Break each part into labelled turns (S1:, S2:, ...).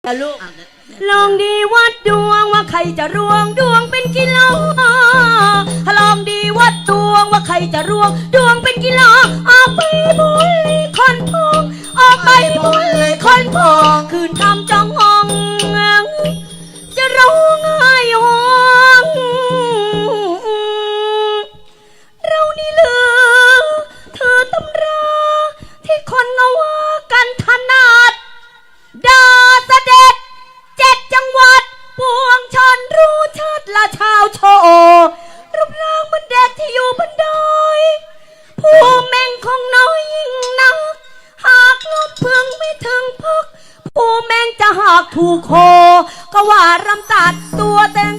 S1: จะลูกลองดีวัดดวงว่าใครจะรวงดวงเป็นกิโลลองดีวัดดวงว่าใครจะรวงดวงเป็นกิโลออกไปบุญเลยคนพองออกไปบุญเลยคนพองคืนคำจองห้องจะร้องไห้ห้องเรานี่ลือเธอตำราที่คนเอาว่ากันถนัดดาเสด็จ7 จังหวัดปวงชนรู้ชัดละชาวโชรูปร่างมันเด็กที่อยู่บนดอยผู้แม่งของน้อยยิ่งนักหากลบเพึงไม่ถึงพักผู้แม่งจะหากถูกโคก็ว่ารำตัดตัวแตง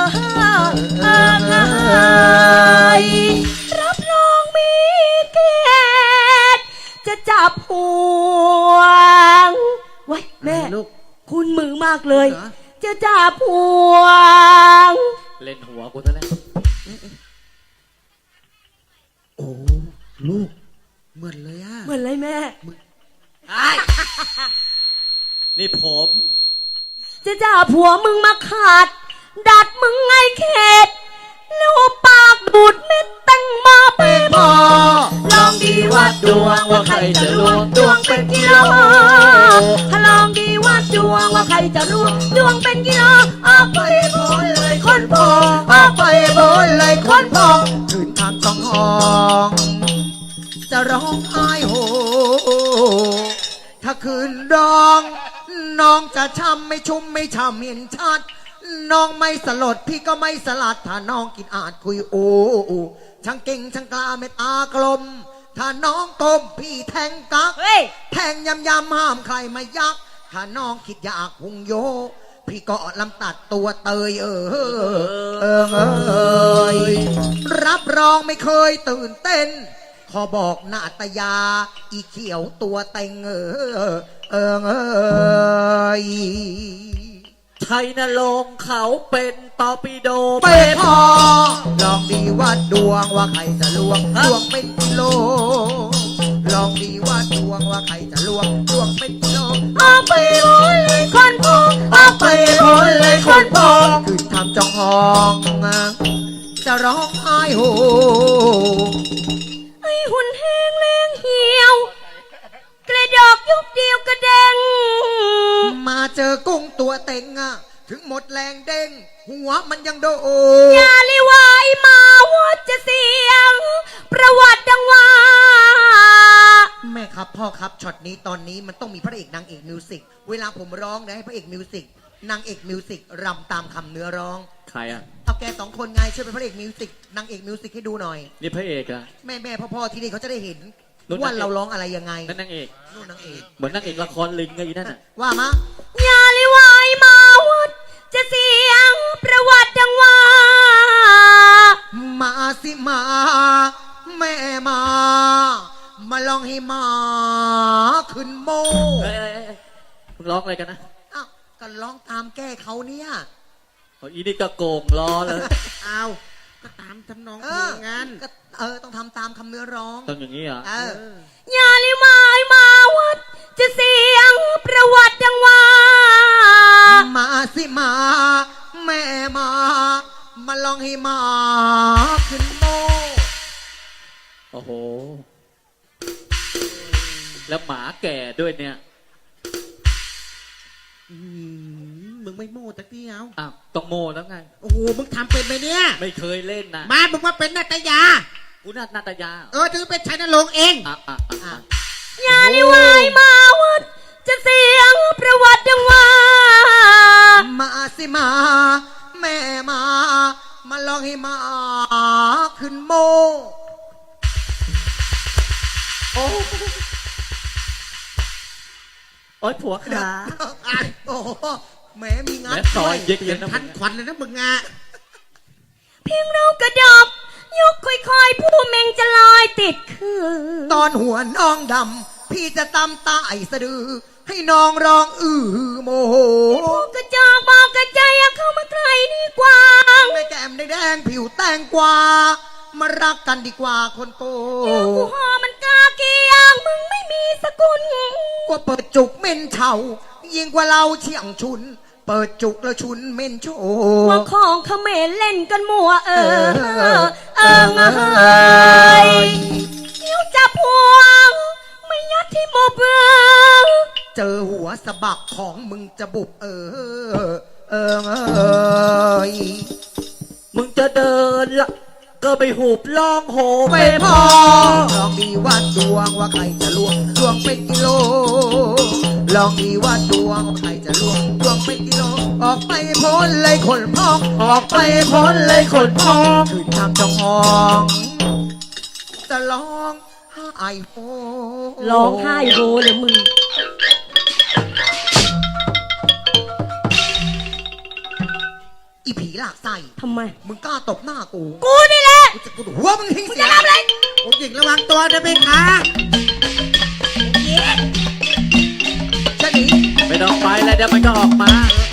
S1: รับรองมีเกตจะจับห่วงไว้แม่ลูกคุณมือมากเลยจะจับห่วง
S2: เล่นหัวกูซะแล้ว
S3: โอ้ลูกเหมือนเลยอะ
S1: เหมือนเลยแม่
S2: นี่ผม
S1: จะจับผัวมึงมาขาดดัดมึงไงเขตลูกปากบูดเม็ดตั้งมาเป็นพอลองดีวัดดวงว่าใครจะรวงดวงเป็นกิโลลองดีวัดดวงว่าใครจะรวงดวงเป็นกิโลออกไปบนเลยคนพอออกไปบนเลยคนพอ
S3: คืนทางต้องห้องจะร้องไห้โหถ้าคืนร้องน้องจะช้ำไม่ชุ่มไม่ช้ำเห็นชัดน้องไม่สลดพี่ก็ไม่สลัดถ้าน้องกินอาจคุยโอ้ช่างเก่งช่างกล้าเม็ดอากลมถ้าน้องกลมพี่แทงกักแทงยำห้ามใครมายักถ้าน้องคิดอยากพุงโยพี่ก็ลำตัดตัวเตยรับรองไม่เคยตื่นเต้นขอบอกนาตยาอีเขียวตัวเต็ง
S2: ชัยนรงค์เขาเป็นตอปิโด
S3: ไปพอลองดีว่าดวงว่าใครจะลวงดวงเป็นกิโลลองดีว่าดวงว่าใครจะลวงดวงเป็นกิโล
S1: ออกไปพ้นเลยคนพองออกไปพ้นเลยคนพอง
S3: คืนทำจองห้องจะร้องไห้โห
S1: ไอ้หุ่นแห้งแรงเหี่ยวกระดอกยุบเดียวกระเด้ง
S3: มาเจอกุ้งตัวเต็งอะถึงหมดแรงเด้งหัวมันยังโด
S1: อย่าลิวายมาว่าจะเสียงประวัติดังว่า
S3: แม่ครับพ่อครับช็อตนี้ตอนนี้มันต้องมีพระเอกนางเอกมิวสิกเวลาผมร้องนะให้พระเอกมิวสิกนางเอกมิวสิกรำตามคำเนื้อร้อง
S2: ใครอะ
S3: เอาแก2 คนไงช่วยเป็นพระเอกมิวสิกนางเอกมิวสิกให้ดูหน่อย
S2: นี่พระเอกอะ
S3: แม่พ่อที่นี่เขาจะได้เห็นว่าเราร้องอะไรยังไง
S2: นั่นนางเอก
S3: นู่นนางเอก
S2: เหมือนนางเอกละครลิงไงนั่นน่ะ
S3: ว่ามา
S1: อย่าลิวายมาวัดจะเสียงประวัติดังว่า
S3: มาสิมาแม่มาลองให้มาขึ้นโม
S2: มึงร้องอะไรกันนะ
S3: อ้าวก็ร้องตามแก้เขาเนี่ย
S2: อีนี่ก็โกงล้อเลย
S3: อ้าวก็ตามทำนองเพลงงั้นต้องทำตามคำเนื้อร้อง
S2: ต้องอย่างนี้เหรอ
S1: อย่าลิวายมาวัดจะเสียงประวัติดังว่า
S3: มาสิมาแม่มาลองให้มาขึ้นโม
S2: โอ้โหแล้วหมาแก่ด้วยเนี่ย
S3: มึงไม่โม่ตะกี้เอา
S2: อ้าวต้องโม่แล้วไง
S3: โอ้โหมึงทำเป็นไหมเนี่ย
S2: ไม่เคยเล่นนะ
S3: มามึงมาเป็นนาตยา
S2: กูนาตยา
S3: ถือเป็นชัยนรงค์เอง
S1: อย่าลิวายมาวัดจะเสียงประวัติดังว่า
S3: มาสิมาแม่มาลองให้มาขึ้นโม
S2: โอ้ยผัวขา
S3: โอ้แม่มีงาน
S2: ซอยเย็น
S3: ทันขวัญเลยนะมึงอ่ะ
S1: เพียงเรากระดบยกค่อยๆผู้เมงจะลอยติดคือ
S3: ตอนหัวน้องดำพี่จะตำตาไอสะดือให้น้องร้องโมโห
S1: พวกกระจอกบอกกระใจเข้ามาใกล้ดีกว่า
S3: แม่แก้มแดงผิวแตงกวามารักกันดีกว่าคนโก
S1: กูหอมันกาเกียงมึงไม่มีสกุล
S3: ก็เปิดจุกเม่นเฉายิยิ่งกว่าเราเชี่ยงชุน เปิดจุกแล้วชุนเม่นโช
S1: ว่าของเขมรเล่นกันมัวเนิ้วจับพวงไม่ยัดที่หมบ
S3: เจอหัวสะบักของมึงจะบุบ
S2: มึงจะเดินละก็ไปหูบล่องโห
S3: ไม่
S2: ไม่
S3: พ
S2: พ
S3: อ
S2: อ
S3: ลองดีว่าดวงว่าใครจะล่วงดวงเป็นกิโล ลองดีว่าดวงว่าใครจะล่วงดวงเป็นกิโล ออกไปพ้นเลยคนพอง
S2: ออกไปพ้นเลยคนพอง
S3: คือทำจององจะร้องไห้โฮ
S1: ร้องไห้โฮเลยมึง
S3: อีผีหลากไส้
S1: ทำไม
S3: มึงกล้าตบหน้ากู
S1: กูนี่แหละ
S3: กูจะกูดูหัวมึงทิ้ง
S1: กู
S3: เสี
S1: จะ
S3: ย
S1: ทำอะไร
S2: ผมหญิงระวังตัวนะเพคะ
S3: จะหนี
S2: ไม่ต้องไปแล้วเดี๋ยวมันก็ออกมา